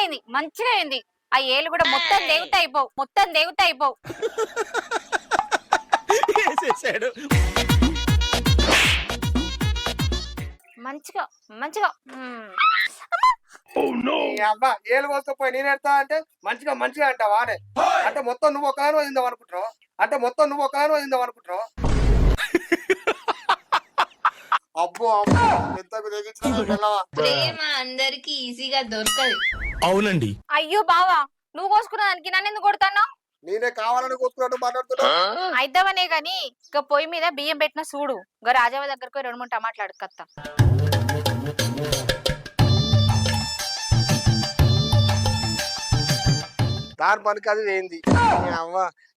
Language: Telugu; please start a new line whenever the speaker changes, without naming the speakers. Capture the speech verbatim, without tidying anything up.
అయింది మంచిగా అయింది. ఆ ఏలు కూడా మొత్తం దేవత అయిపోవు, మొత్తం దేవత అయిపోవు.
వేసేసాడు.
మంచిగా మంచిగా మ్మ్.
ఈ అబ్బా ఏలు కోసుకుపోయి నేను ఎడతా అంటే మంచిగా మంచిగా అంటావా అనే అంటే మొత్తం నువ్వు ఒకదాని వదిందాం అనుకుంటున్నావు అంటే మొత్తం నువ్వు ఒకదాని వదిందాం అనుకుంటున్నావు అబ్బో అబ్బో ఎంత తెగించిన
ప్రేమ అందరికి ఈజీగా దొరకదు.
అవునండి.
అయ్యో బావా, నువ్వు కోసుకున్న దానికి నన్ను ఎందుకు కొడతాను?
నేనే కావాలని కోసుకున్నట్టు మాట్లాడుతున్నావు.
అయిద్దామనే గాని ఇక పొయ్యి మీద బియ్యం పెట్టిన చూడు, ఇక రాజావ దగ్గరకు పోయి రెండు మూడు టమాటాలు అడుక్కత్తా.
దాని పనికి అది ఏంది అవ్వ